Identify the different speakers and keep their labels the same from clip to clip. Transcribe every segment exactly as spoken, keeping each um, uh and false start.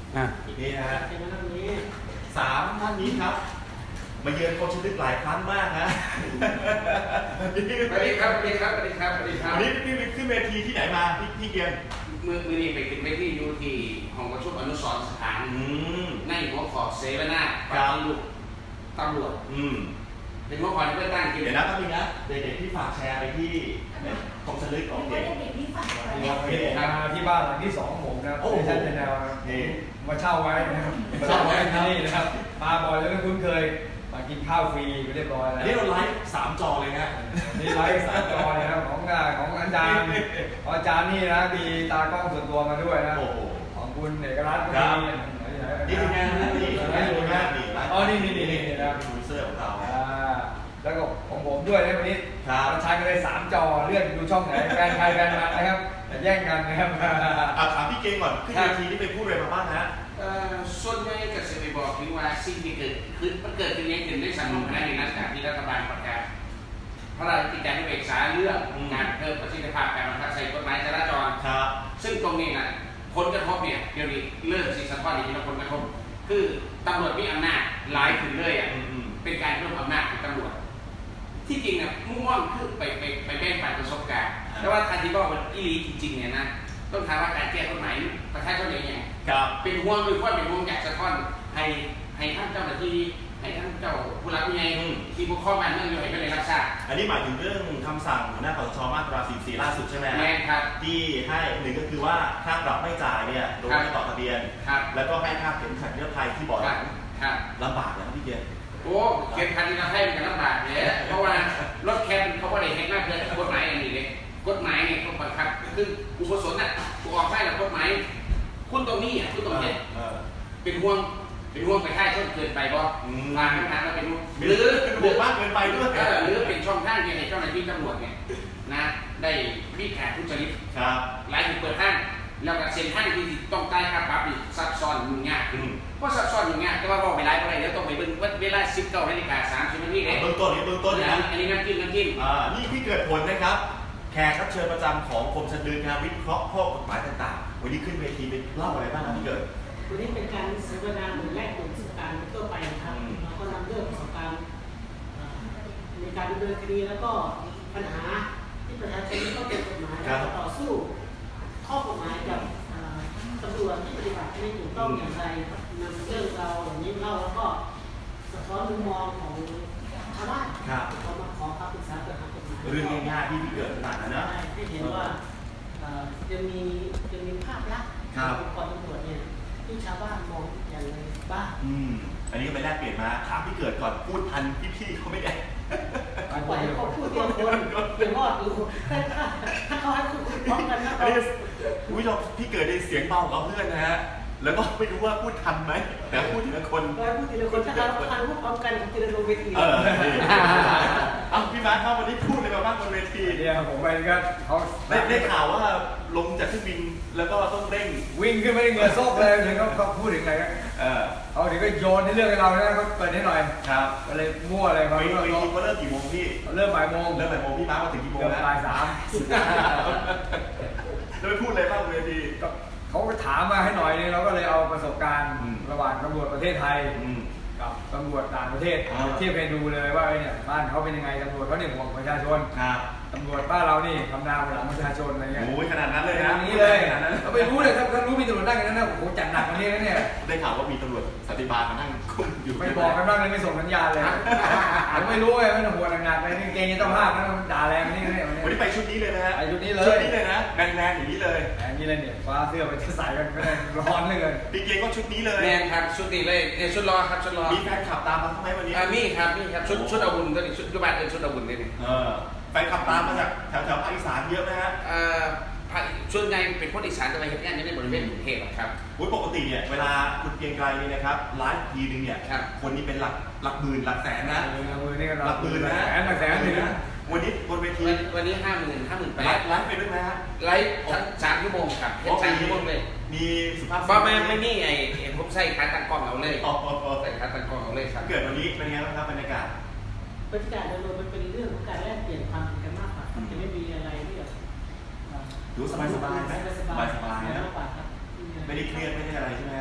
Speaker 1: อ่ะ
Speaker 2: นี่นะฮะสามท่านนี้ครับมาเยือนโคชลึกหลายครั้งมากนะ
Speaker 3: สวัสดีครับสวัสดีครับสวัสดีครับสวัสดีครับ
Speaker 2: วันนี้พี่ขึ้นเวทีที่ไหนมาพี่พี่เกียง
Speaker 3: มือมือนี้ไปขึ้นเวทีอยู่ที่ห้องประชุมอนุสรณ์สถาน
Speaker 2: อืม
Speaker 3: ในหัวขอเสวนาป
Speaker 2: ครับ
Speaker 3: ฏิรูปตำรวจ
Speaker 2: อืม
Speaker 3: เป็นหัวข้อที่เพื่อตั้งกิน
Speaker 2: เดี๋ยวนะแป๊บนึงนะเด็กๆที่ฝากแชร์ไปที่โคชลึกของเด็ก
Speaker 4: ที่บ้านหลังที่สองของผมนะครับในชั้นเป็นแนวนะครับมาเช่าไว้นะครับมาเช่าไว้ที่นี่นะครับมาบ่อยแล้วก็คุ้นเคยมากินข้าวฟรีไปเรียบร้อยแล้ว
Speaker 2: อันนี้เราไลฟ์สามจอเลยนะ
Speaker 4: นี่ไลฟ์สามจอนะครับของของอาจารย์ของอาจารย์นี่นะมีตากล้องส่วนตัวมาด้วยนะ
Speaker 2: โอ้โห
Speaker 4: ของคุณเอกรัตน์ก็
Speaker 2: ครับ
Speaker 4: มี
Speaker 2: นี่คืองานนะนี่
Speaker 4: นี่คืองาน
Speaker 2: นี่
Speaker 4: อ๋อนี่นี่นี่นี่นะ
Speaker 2: โปรดิวเซอร์ของเรา
Speaker 4: อ่าแล้วก็ของผมด้วยนะวันนี้
Speaker 2: ครับ
Speaker 4: ใช้กันเลยสามจอเลื่อนดูช่องไหนแฟนใครแฟนมันนะครับอย่าแย่งกันนะครับ
Speaker 2: อ่ะถามพี่เก่งก่อนขึ้นเวทีนี่ไปพูดอะไรมาบ้างฮะ
Speaker 3: เอ่อส่วนใหญ่ก็จะไปบอกถึงว่าสิ่งที่เกิดขึ้นมันเกิดขึ้นนี้ขึ้นในสังคมในหลังจากที่รัฐบาลประกาศพระราชกิจการพิเศษสาเรื่องการเพิ่มประสิทธิภาพการบังคับใช้กฎหมายจราจร
Speaker 2: ครับ
Speaker 3: ซึ่งตรงนี้นะผลกระทบเนี่ยเดี๋ยวนี้เริ่มสิสะท้อนอีกทีละผลกระทบคือตำรวจมีอำนาจหลายขึ้นเลยอ่ะ
Speaker 2: อืม
Speaker 3: เป็นการเพิ่มอำนาจของตำรวจที่จริงเนี่ยมุ่งมั่นคือไปไปไปแบ่งปันประสบการณ์แต่ว่าทันทีบอกว่าอีหลีจริงๆเนี่ยนะต้องถามว่าการแก้กฎหมายประชาชนอย่างไง
Speaker 2: ครับ
Speaker 3: เป็นห่วงเป็นข้อเป็นห่วงอยากสะท้อนให้ให้ท่านเจ้าหน้าที่ให้ท่านเจ้าผู้รับผู้ใหญ่ที่ปกครองบ้านเมืองอยู่ให้เป็นในรับทราบ
Speaker 2: อันนี้หมายถึงเรื่องคำสั่งหัวหน้าคสชมาตราสี่สิบสี่ล่าสุดใช่ไหม
Speaker 3: แม่ครับ
Speaker 2: ที่ให้หนึ่งก็คือว่าค่าปรับไม่จ่ายเนี่ยโดยไม่ต่อทะเบียน
Speaker 3: ครับ
Speaker 2: แล้วก็ให้ค่าเข็มขัดนิรภัยที่เบาะห
Speaker 3: ครั
Speaker 2: ลั
Speaker 3: บ
Speaker 2: ง
Speaker 3: ครับ
Speaker 2: ลำบากนะพี่เกียรติ
Speaker 3: โอ้เข็มขัดนิรภัยมันลำบากเนี่ยเพราะว่ารถแคปเขาไม่ได้เห็นมากเลยกฎหมายอย่างนี้เลยกฎหมายเนี่ยเขาบังคับคืออุปสมบทน่ะกูออกได้หรอกฎหมายคุณตรงนี้อ่ะคุณตรงนี้
Speaker 2: เออ
Speaker 3: เป็นห่วงเป็นห่วงไปค่ายชนเกินไปบ่
Speaker 2: อืม
Speaker 3: ทางทางเราเป็นห่วง
Speaker 2: หรือเป็นบวกมากเกินไปด้วย
Speaker 3: เออหรือเป็นช่องทางที่ให้เจ้าหน้าที่ตำรวจเนี่ยนะได้มีการทุจริต
Speaker 2: ครับ
Speaker 3: หลายถึงเปิดห้างแล้วก็เซ็นห้างที่ต้องจ่ายค่าปรับอีกซับซ้อนยุ่งยาก
Speaker 2: อืม
Speaker 3: เพราะซับซ้อนยุ่งยากแต่ว่าบอกไปหลายประเด็นแล้วต้องไปเบิ่งเวลาสิบเก้านาฬิกาสามสิบนาทีเลย
Speaker 2: เบื้องต้นนี้เบื้องต้นนะ
Speaker 3: อันนี้น้ำจิ้มน้ำจิ้ม
Speaker 2: อ่านี่ที่เกิดผลนะครับ แขกรับเชิญประจำของกรมชันดึงนะครับวิเคราะห์ข้อกฎหมายต่างๆ วันนี้ขึ้นเวทีไปเล่าอะไรบ้างครับพี่เกิด
Speaker 5: วันนี้เป็นการเสวนาหรือแลกเปลี่ยนประสบการณ์ทั่วไปนะครับ
Speaker 2: อืม
Speaker 5: แล้วก็นำเรื่องประสบการณ์เอ่อในการดำเนินคดีแล้วก็ปัญหาที่ประชาชนต้องเป็นกฎหมายแล้วก็ต่อสู้ข้อกฎหมายกับเอ่อตำรวจที่ปฏิบัติไม่ถูกต้องอย่างไรครับนำเรื่องเราวอย่างนี้เล่าแล้วก็สะท้อนมุมมองของชาวบ้าน
Speaker 2: ครับ
Speaker 5: เขามาขอคำปรึกษาเกี่ยวกับกฎหมาย
Speaker 2: เรื่องง่ายๆที่พี่เกิดขนาดนั้นนะ
Speaker 5: ให้เห็นว่าเอ่อจะมีจะมีภาพลักษณ์
Speaker 2: ครับ
Speaker 5: องค์กรตำรวจเนี่ยที่ชาวบ้านมองอย่างไรบ้าง
Speaker 2: อืมอันนี้ก็ไปแลกเปลี่ยนมาถามพี่เกิดก่อนพูดทันพี่ๆเขาไม่ได้
Speaker 5: ปล่อยให้เขาพูดทีละคนเดี๋ยวรอดอยู่ถ้าถ้าเขาให้พูดพร้อมกันนะ
Speaker 2: อันนี้คุณผู้ชมพี่เกิดในเสียงเบากว่าเพื่อนนะฮะ แล้วก็ไม่รู้ว่าพูดทันไหมแต่พูดทีละคน
Speaker 5: เราพูดทีละคนถ้าเราทานพูดพร้อมกันทีละลงเวที
Speaker 2: เออนี่เอ้าพี่มาร์คครับวันนี้พูดอะไรมาบ้างบนเวที
Speaker 4: เนี่ยผมไปก็เขา
Speaker 2: ได้ได้ข่าวว่าลงจากเครื่องบินแล้วก็ต้องเร่ง
Speaker 4: วิ่งขึ้นไม่ได้เหงื่อโซกเลยถึงเขาเขาพูดถึงอะไรกัน
Speaker 2: เออ
Speaker 4: เขาถึงก็โยนให้เรื่องให้เราเนี่ยเขาเปิดให้หน่อย
Speaker 2: ครับ
Speaker 4: ก็เลยมั่วอะไร
Speaker 2: ไป
Speaker 4: เขา
Speaker 2: ไป
Speaker 4: เริ่ม
Speaker 2: ทีว่าเริ่มกี่โมงพี่
Speaker 4: เริ่มบ่ายโมง
Speaker 2: เริ่มบ่ายโมงพี่มาร์คมาถึงกี่โมง
Speaker 4: เกือบ
Speaker 2: แล้ว
Speaker 4: บ่ายสาม
Speaker 2: แล้วไปพูดอะไรบ้างบนเวที
Speaker 4: ก็เขาก็ถามมาให้หน่อยนึงเราก็เลยเอาประสบการณ์
Speaker 2: อืม
Speaker 4: ระหว่างตำรวจประเทศไทย
Speaker 2: อืม
Speaker 4: กับตำรวจต่างประเทศ
Speaker 2: อ่า
Speaker 4: เทียบให้ดูเลยว่าไอ้เนี่ยบ้านเขาเป็นยังไงตำรวจเขาเนี่ยห่วงประชาชน
Speaker 2: ครับ
Speaker 4: ตำรวจบ้านเรานี่ทำนาบนหลังประชาชนอะไรเงี้ย
Speaker 2: โอ้ยขนาดนั้นเลย
Speaker 4: อ
Speaker 2: นะ
Speaker 4: ย่างนี้เลย
Speaker 2: ขนาดนั้น
Speaker 4: เราไม่รู้เลยครับถ้ารู้มีตำรวจนั่งกันนั้นนะโอ้โหจัดหนักกว่านี้นะเนี่ย
Speaker 2: ได้ข่าวว่ามีตำรวจสันติบาลมานั่งคุมอยู่
Speaker 4: ไม่บอกกันบ้างเลยไม่ส่งสัญญาณเลยผมไม่รู้ไงไม่ต้องห่วงหนักๆเลยนี่เกรงจะต้องภาพนะด่าแรงนี่เนี่ย
Speaker 2: วันนี้ไปชุดนี้เลยนะฮะ
Speaker 4: ไปชุดนี้เลย
Speaker 2: ชุดนี้เลยนะแมนๆอย่างนี้เลย
Speaker 4: แรงนี่เลยเนี่ยฟ้าเสื้อไปจะใส่กันไม่ได้ร้อนเลย
Speaker 2: พี่เกียงก็ชุดนี้เลย
Speaker 3: แมนครับชุดนี้เลยเนี่ยชุดรอครับชุดรอ
Speaker 2: มีแฟนขับตามมาทำไมวันนี้
Speaker 3: อ่ามีครับมีครับชุดชุดอาวุธตัวนี้ชุดยุบานเออชุดอาวุธนี่นี่
Speaker 2: เออแฟนขับตามมาจากแถวแถวภาคอีสานเยอะไหมฮะ
Speaker 3: เอ่อภาคส่วนใหญ่เป็นคนอีสานจะไปเห็นงานอยู่ในบริเวณกรุงเทพอะครับ
Speaker 2: อุ๊ยปกติเนี่ยเวลาคุณเกรียงไกรเนี่ยนะครับไลฟ์ทีนึงเนี่ย
Speaker 3: ครับ
Speaker 2: คนนี้เป็นหลักหลักหมื่นหลักแสนนะ
Speaker 4: มือนี่ก็
Speaker 2: หลักหมื่นนะ
Speaker 4: แสนหลักแสนหนึ่งนะ
Speaker 2: วันนี้บนเวที
Speaker 3: วันวันนี้ห้าหมื่นห้าหมื่นแป
Speaker 2: ไล
Speaker 3: ด
Speaker 2: ฟ์ไลฟ์ไปด้วยไหมฮะ
Speaker 3: ไลฟ์ทั้งสามชั่วโมงครับเห็นสามชั่วโมงเลย
Speaker 2: มีสุภาพ
Speaker 3: บ้าไม่ไม่นี่ไอ้ไอ้ผมใส่ขาตั้งกล้องเอาเลย
Speaker 2: อ๋ออ๋ออ๋อ
Speaker 3: ใส่ขาตั้งกล้องเอาเลยครับ
Speaker 2: เกิดวันนี้เป็นไงบ้างครับบรรยากาศ
Speaker 5: บรรยากาศโดยรวมมันเป็นเรื่องของการแลกเปลี่ยนความเห็นกันมากกว่าจะไม่มีอะไรที่แบบเอ่อ
Speaker 2: ดูสบายสบายๆไหมสบายสบายๆนะ
Speaker 5: มากกว่าครับ
Speaker 2: ไม่ได้เครียดไม่ได้อะไรใช่ไหมฮะ
Speaker 5: ไ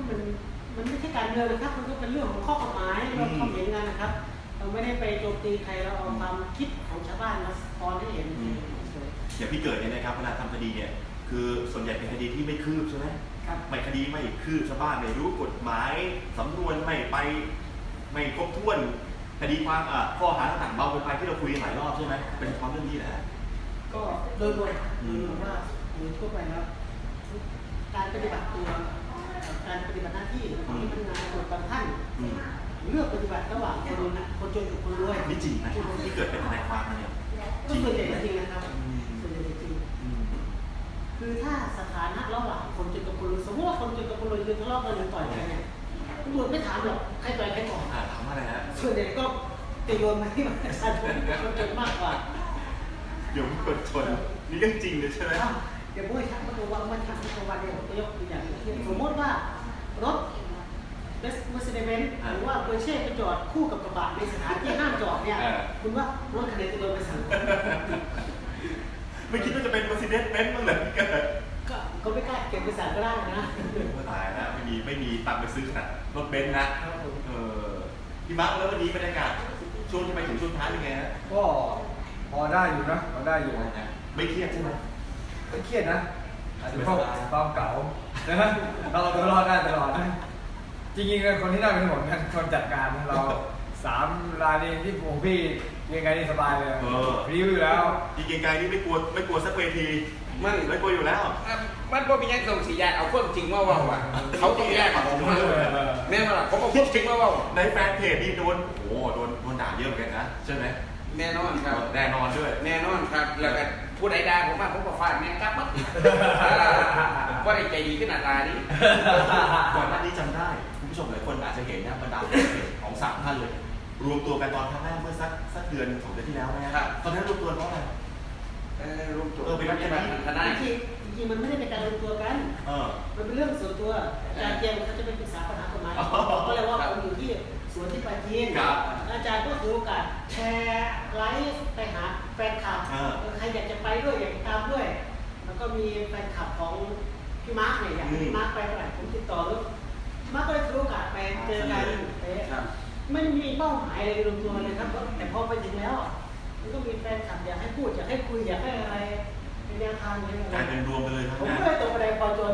Speaker 5: มันมันไม่ใช่การเมืองนะครับมันก็เป็นเรื่องของข้อกฎหมายเราความเห็นกันนะครับ เราไม่ได้ไปโจมตีใครเราเอาความคิดของชาวบ้านมาสะท้อนให้เห็นเฉย
Speaker 2: อย่างพี่เกิดเนี่ยนะครับเวลาทำคดีเนี่ยคือส่วนใหญ่เป็นคดีที่ไม่คืบใช่ไหม
Speaker 5: ๆครับ
Speaker 2: ไม่คดีไม่คืบชาวบ้านไม่รู้กฎหมายสำนวนไม่ไปไม่ครบถ้วนคดีความอ่ะข้อหาต่างๆเบาเกินไปที่เราคุยกันหลายรอบใช่ไหมเป็นความเรื่องนี้แหละ
Speaker 5: ก็โดยรวมโดยรวมว่าโดยทั่วไปแล้วการปฏิบัติตัวการปฏิบัติหน้าที่ของพนักงานตำรวจบางท่าน
Speaker 2: อืม
Speaker 5: เลือกปฏิบัติระหว่างคนคนจนกับคนรวย
Speaker 2: นี่จริงนะที่เกิดเป็นทนายความมาเนี่ย
Speaker 5: ก็ส่วนใหญ่จริงนะครับ
Speaker 2: อืม
Speaker 5: ส่วนใหญ่จริง
Speaker 2: อืม
Speaker 5: คือถ้าสถานะระหว่างคนจนกับคนรวยสมมติว่าคนจนกับคนรวยคือทะเลาะกันหรือต่อยกันเนี่ยตำรวจไม่ถามหรอกใครต่อยใครก่อน
Speaker 2: อ่าถามว่าอะไรฮะ
Speaker 5: ส่วนใหญ่ก็จะโยนมาที่ประชาชนคนจนมากกว่า
Speaker 2: เดี๋ยวกดชนนี่เรื่องจริงเลยใช่ไหม
Speaker 5: อ้าวเดี๋ยวพูดให้ชัดว่าตัววันวันชัดตัววันเนี่ยผมจะยกตัวอย่างเช่นสมมติว่ารถเมอร์เซเดเบนซ์หรือว่าเปอร์เช่ไปจอดคู่กับกระบะในสถานที่ห้ามจอดเนี่ยคุณว่ารถคันไหนจะโดนไปสั่ง
Speaker 2: ไม่คิดว่าจะเป็น Mercedes Benz บ้างเหรอพี่เกิด
Speaker 5: ก็ก็ไม่กล้าเก็บไปสั่งก็ได้นะ
Speaker 2: ก็ตายแล้วไม่มีไม่มีตังค์ไปซื้อขนาดรถเบนซ์นะครับ
Speaker 5: ผม
Speaker 2: เออพี่มาร์คแล้ววันนี้บรรยากาศช่วงที่ไปถึงช่วงท้ายเป็นไงฮะ
Speaker 4: ก็พอได้อยู่นะพอได้อยู่
Speaker 2: ไม่เครียดใช่ไหม
Speaker 4: ไม่เครียดนะอาจจะเพราะความเก่านะฮะเราตัวรอดได้ตลอดนะจริงๆคนที่ได้เป็นหมดกันคนจัดการเราสามรายนี้ที่ผมพี่ยังไงนี่สบายเลยพริ้วอยู่แล้ว
Speaker 2: จริงๆไกลนี่ไม่กลัวไม่กลัวสักเวที
Speaker 3: มัน
Speaker 2: ไม่กลัวอยู่แล้ว
Speaker 3: มันบ่มีหยังส่งสีแยกเอาความจริงมาเว่าอ่ะเขาต้องแยกกับผมมาแน่นอนล่ะผมเอาความจริงมาเว่า
Speaker 2: ในแฟนเพจนี่โดนโอ้โหโดนโดนด่าเยอะเหมือนกันนะใช่ไหม
Speaker 3: แน่นอนครับ
Speaker 2: แน่นอนด้วย
Speaker 3: แน่นอนครับแล้วก็ผู้ใดด่าผมมาผมก็ฟาดแม่งกลับมั้งว่าได้ใจดีขึ้นหน้าตานี้
Speaker 2: ก่อนหน้านี้จำได้คุณผู้ชมหลายคนอาจจะเห็นนะบรรดาเพจของสามท่านเลย รวมตัวกันตอนครั้งแรกเมื่อสักสักเดือนสองเดือนที่แล้วนะครับตอนนั้นรวมตัวเพราะอะไร
Speaker 3: เออรวมตัว
Speaker 2: เออเป็นรัฐบาล
Speaker 3: คณะ
Speaker 5: จริงๆจริงๆมันไม่ได้เป็นการรวมตัวกัน
Speaker 2: เออ
Speaker 5: มันเป็นเรื่องส่วนตัวอาจารย์เจียมเขาจะไปปรึกษาปัญหากฎหมาย
Speaker 2: อ๋อ
Speaker 5: ก็เลยว่าผมอยู่ที่สวนที่ปราจีน
Speaker 2: ครับ
Speaker 5: อาจารย์ก็ถือโอกาสแชร์ไลฟ์ไปหาแฟนคลับ
Speaker 2: อ่า
Speaker 5: เออใครอยากจะไปด้วยอยากจะตามด้วย แล้วก็มีแฟนคลับของพี่มาร์คเนี่ยอยากให้พี่มาร์คไปเมื่อไหร่ผมติดต่อแล้วพี่มาร์คก็เลยถือโอกาสไปเจอกันเอ๊ะ
Speaker 3: ครับ
Speaker 5: ไม่มีเป้าหมายอะไรรวมตัวเลยครับแต่พอไปถึงแล้วอ่ะมันก็มีแฟนคลับอยากให้พูดอยากให้คุยอยากให้อะไรเป็นแนวทางอย่างนี้
Speaker 2: กลายเป็นรวมไปเลยทั้ง
Speaker 5: ผม
Speaker 2: นั้น
Speaker 5: ก็เลยตกประเด็นพอจน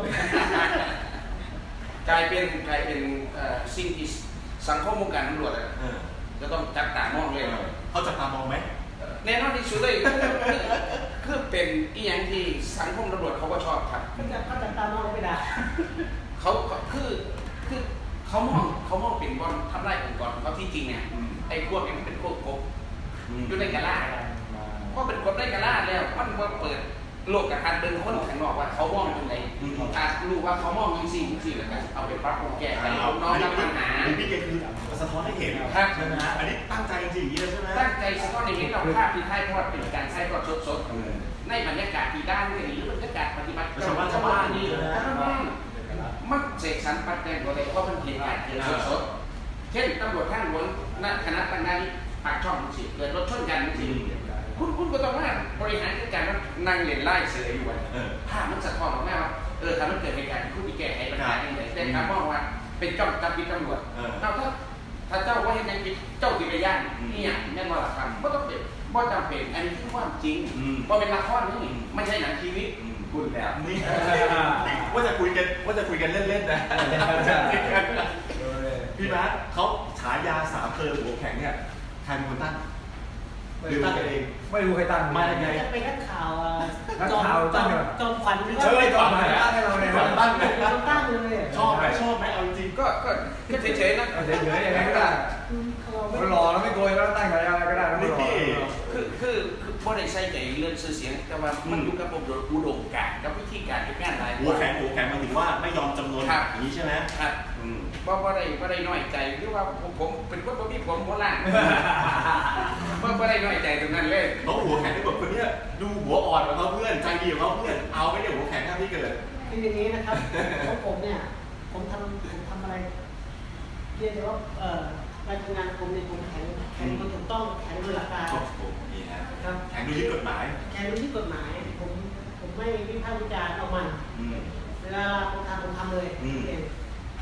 Speaker 3: กลายเป็นกลายเป็นเอ่อสิ่งที่สังคมวงการตำรวจอะ
Speaker 2: เออ
Speaker 3: จะต้องจับตามองเลย
Speaker 2: เขาจับตามองไหม
Speaker 3: แน่นอนที่สุดเลยคือคือคือเป็นอีหยังที่สังคมตำรวจเขาก็ชอบครับ
Speaker 5: เขาจะเขาจะตามน้องไม่ได้
Speaker 3: เขาเขาคือคือเขามองเขามองเป็นบอลทำลายองค์กรเขาที่จริงเนี่ย
Speaker 2: อืม
Speaker 3: ไอ้พวกนี้มันเป็นพวกกบ
Speaker 2: อืม
Speaker 3: อยู่ในกะลาเพราะเป็นกบได้กะลาแล้วมันมาเปิดโลกกระทันเดินคนข้างนอกว่าเขามองยังไงอาจรู้ว่าเขามองยังสิ่งสิ่งแล้วกันเอาไปปรับปรุงแก้ไขเอาน้องรับปัญหา
Speaker 2: อันนี้พี่เกคือสะท้อนให้เห็น
Speaker 3: ครับ
Speaker 2: ใช่ไหมฮะอันนี้ตั้งใจจริงๆอย่างนี้เลยใช่ไหม
Speaker 3: ตั้งใจสะท้อนในเห็นเราภาพที่ถ่ายทอดเป็นการถ่ายทอดสดๆในบรรยากาศที่ด้านนี้หรือบรรยากาศปฏิบัติ
Speaker 2: ชาวบ้านชาวบ้านนี่
Speaker 3: นี่
Speaker 2: นะ
Speaker 3: ชาวบ้านมันเสกสรรปัดแต่งตัวเองเพราะมันเหตุการณ์เกิดสดๆเช่นตำรวจทางหลวงณคณะตั้งนั้นปากช่องสิเกิดรถชนกันสิคุณคุณก็ต้องว่าบริหารจัดการว่านั่งเล่นไล่เสืออยู่อ่ะ
Speaker 2: เออ
Speaker 3: ภาพมันสะท้อนออกมาว่าเออถ้ามันเกิดเหตุการณ์คุณไปแก้ไขปัญหาอย่างไรแต่ถ้ามองว่าเป็นเจ้าจับปิดตำรวจ
Speaker 2: เออ
Speaker 3: เราถ้าถ้าเจ้าว่าเห็นยังผิดเจ้าติดไปย่างนี่อย่างแน่นอนหลักการก็ต้องเป็นบ่จำเป็นอันนี้คือความจริง
Speaker 2: อืม
Speaker 3: เพราะเป็นละครนี่ไม่ใช่หนังชีวิต
Speaker 2: อืม
Speaker 3: พูดแล้ว
Speaker 2: นี่ว่าจะคุยกันว่าจะคุยกันเล่นๆนะพี่มาร์คเขาฉายาสามเพลหัวแข็งเนี่ยใครเป็นคนตั้งหรือตั้งกันเอง
Speaker 4: ไม่รู้ใครตั้ง
Speaker 2: มายังไง
Speaker 5: จะเป็นนักข่าว
Speaker 4: นักข่าวตั้งเหรอ
Speaker 5: จอมขวัญหรือ
Speaker 4: เชิ
Speaker 5: ว่า
Speaker 4: ญก่อนมาตั้งให้เราเนี่ย
Speaker 2: ก่อนตั้งเลย
Speaker 5: จอมตั้งเลย
Speaker 2: ชอบไหมชอบไหมเอาจริง
Speaker 3: ก็ก็ก็เฉยๆนะ
Speaker 4: เฉยๆยังไงก็ได้
Speaker 5: อืมเขาไม่
Speaker 4: มันหล่อแล้วไม่โกยแล้วตั้งอะไรก็ได้แล้วไม่หล่อ
Speaker 3: คือคือคือบ่ได้ใส่ใจเรื่องชื่อเสียงแต่ว่ามันอยู่กับอุดมการณ์กับวิธีการทำงานหลาย
Speaker 2: หัวแข็งหัวแข็งหมายถึงว่าไม่ยอมจำนวนอย่างนี้ใช่ไหม
Speaker 3: ครับ
Speaker 2: อืม
Speaker 3: บ่บ่ได้บ่ได้น้อยใจหรือว่าผมผมเป็นคนบ่มีผมโบราณบ่บ่ได้น้อยใจตรงนั้นเลย
Speaker 2: น้องหัวแข็งที่แบบคนเนี้ยดูหัวอ่อนกว่าเขาเพื่อนใจดีกว่าเขาเพื่อนเอาไม่ได้หัวแข็งหน้าที่เกิด
Speaker 5: คืออย่างนี้นะครับของผมเนี่ยผมทำผมทำอะไรเรียกได้ว่าเอ่อการทำงานผมเนี่ยผมแข็งแข็งมันถูกต้องแข็งโดยหลักการ
Speaker 2: โอ้โหนี่ฮะ
Speaker 5: ครับ
Speaker 2: แข็งดูยึดกฎหมาย
Speaker 5: แข็งโดยที่กฎหมายผมผมไม่วิพากษ์วิจารณ์เอามัน
Speaker 2: อืม
Speaker 5: เวลาผมทำผมทำเลย
Speaker 2: อืม
Speaker 5: เอง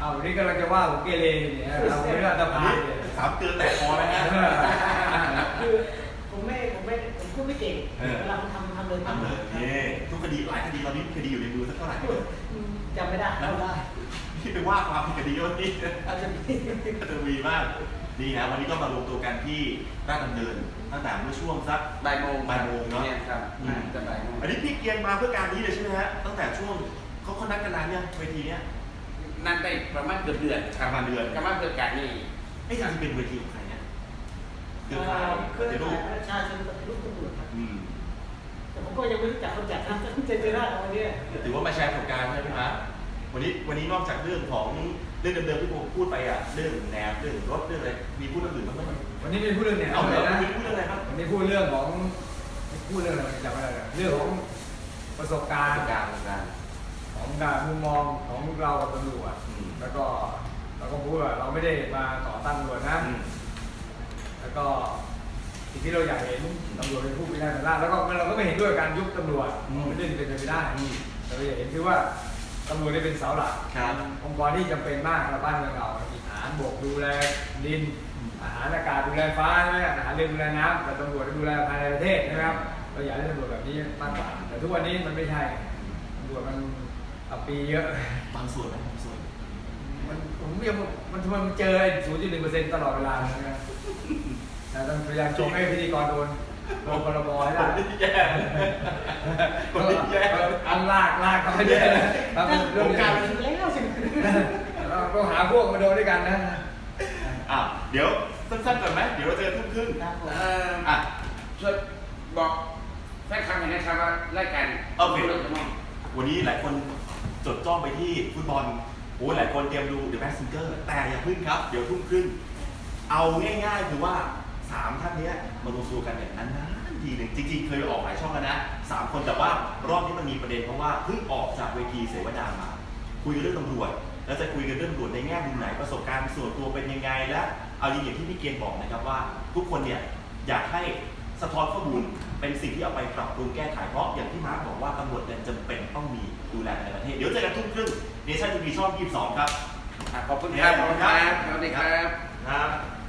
Speaker 4: เอาวันนี้กำลังจะว่าผมเกเรเนี่ยเราไม่ได้อัตภาพเนี่ย
Speaker 2: สามเกลือแตกคอนะฮะ
Speaker 5: คือผมไม่ผมไม่ผมพูดไม่เก่ง
Speaker 2: เออ
Speaker 5: เวลาผมทำทำเลย
Speaker 2: ทำเลยนี่ทุกคดีหลายคดีตอนนี้คดีอยู่ในมือสักเท่าไหร่
Speaker 5: อืมจำไม่ได้จำได้
Speaker 2: ที่ไปว่าความผิดคดีวันนี้
Speaker 5: อาจจะมี
Speaker 2: จะมีมากนี่ฮะวันนี้ก็มารวมตัวกันที่ราชดำเนินตั้งแต่เมื่อช่วงสัก
Speaker 3: บ่ายโมง
Speaker 2: บ่ายโมงเนอะ
Speaker 3: ยครับ
Speaker 2: อืม
Speaker 3: จะบ่ายโมง
Speaker 2: อันนี้พี่เกียนมาเพื่อการนี้เลยใช่ไหมฮะตั้งแต่ช่วงเขาเขานัดกันนานเนี่ยเวทีเนี้ย
Speaker 3: นั่นได้ประมาณเกือบเดือน
Speaker 2: ประมาณเดือน
Speaker 3: ประมาณเกือบการนี่
Speaker 2: ไอ้ยจริงๆเป็นเวทีของใครเนี่ยเครือข่าย
Speaker 5: เค
Speaker 2: ป
Speaker 5: รือ
Speaker 2: ฏิรู
Speaker 5: ข่า
Speaker 2: ป
Speaker 5: ยประชาชนปฏิรูปตำรวจครับ
Speaker 2: อืม
Speaker 5: แต่ผมก็ยังไม่รู้จักคนจัดนะเจเจอหน้าเขาวันนี้
Speaker 2: ถือว่ามาแชร์ประสบการณ์ใช่ไหมพี่มาร์ควันนี้วันนี้นอกจากเรื่องของเรื่องเดิมๆที่ผมพูดไปอ่ะเรื่องแนวเรื่องรถเรื่องอะไรมีพูดเรื่องอื่นบ้างไหม
Speaker 4: วันนี้ไม่พูดเรื่องเนี่ย
Speaker 2: เอา
Speaker 4: เอา
Speaker 2: เล
Speaker 4: เลย ย
Speaker 2: นะ
Speaker 4: นะ
Speaker 2: วันนี้พูดเรื่องอะไรครับ
Speaker 4: วันนี้พูดเรื่องของพูดเรื่องอะไรจำไม่ได้เลยเรื่องของประสบการณ์
Speaker 3: การการ
Speaker 4: ของการมุมมองของเรากับตำรวจ
Speaker 2: อืม
Speaker 4: แล้วก็เราก็พูดว่าเราไม่ได้มาต่อต้านตำรวจนะ
Speaker 2: อืม
Speaker 4: แล้วก็สิ่งที่เราอยากเห็นตำรวจเป็นผู้พิจารณาแล้วก็เราก็ไม่เห็นด้วยกับการยุบตำรวจ
Speaker 2: อืม
Speaker 4: ไม่ได้เป็นไปไม่ได้แต่เราอยากเห็นคือว่าตำรวจได้เป็นเสาหลัก
Speaker 2: ครับ
Speaker 4: องค์กรที่จำเป็นมากในบ้านเมืองเรามีทหารบกดูแลดินทหารอากาศดูแลฟ้าใช่ไหมทหารเรือดูแลน้ำแต่ตำรวจดูแลภายในประเทศใช่ไหมครับเราอยากให้ตำรวจแบบนี้มากกว่าแต่ทุกวันนี้มันไม่ใช่ตำรวจมันอับปีเยอะ
Speaker 2: บางส่วนไหมบางส่วน
Speaker 4: มันผมยังมันทำไมมันเจอศูนย์จุดหนึ่งเปอร์เซ็นต์ตลอดเวลาเลยนะแต่ต้องพยายามชงให้พิธีกรโดนโดนพรบให้ได้
Speaker 2: คนที่แย่คนที่แย่
Speaker 4: อันลากลากเขาไม่ได้ทำเป็นเรื่อง
Speaker 2: ผมก
Speaker 4: กา
Speaker 2: ลาร
Speaker 4: ร
Speaker 2: เป็น
Speaker 5: แล้วสิ
Speaker 4: เราต้องหาพวกมาโดนด้วยกันนะ
Speaker 2: อ่ะเดี๋ยวสั้นๆก่อนไหมเดี๋ยวเราเจอทุ่มครึ่ง
Speaker 5: ครับผม
Speaker 3: เอ่อ
Speaker 2: อ่ะ
Speaker 3: ช่วยบอกแฟนคลับหน่อยนะครับว่ารายการ
Speaker 2: โอเค
Speaker 3: เรื่องจะมอง
Speaker 2: วันนี้หลายคนจดจ้องไปที่ฟุตบอลโอ้หลายคนเตรียมดู The Masked Singer แต่อย่าพึ่งครับ เดี๋ยวทุ่มครึ่งเอาง่ายๆคือว่าสามท่านเนี้ยมารวมตัวกันเนี่ยนานๆทีหนึ่งจริงๆ เคยออกหลายช่องแล้วนะสามคนแต่ว่ารอบนี้มันมีประเด็นเพราะว่าเพิ่งออกจากเวทีเสวนามา คุยกันเรื่องตำรวจแล้วจะคุยกันเรื่องตำรวจในแง่มุมไหนประสบการณ์ส่วนตัวเป็นยังไงและเอาอย่างที่พี่เกียนบอกนะครับว่า ทุกคนเนี่ยอยากให้สะท้อนข้อมูลเป็นสิ่งที่เอาไปปรับปรุงแก้ไขเพราะอย่างที่มาร์คบอกว่าตำรวจเนี่ยจำเป็นต้องมีดูแลในประเทศเดี๋ยวเจอกันทุ่มครึ่งเนชั่นทีวีช่องยี่สิบสองครับ
Speaker 3: อ่ะขอบคุณครับขอบคุณครับสวัสดีครับ
Speaker 2: ครับ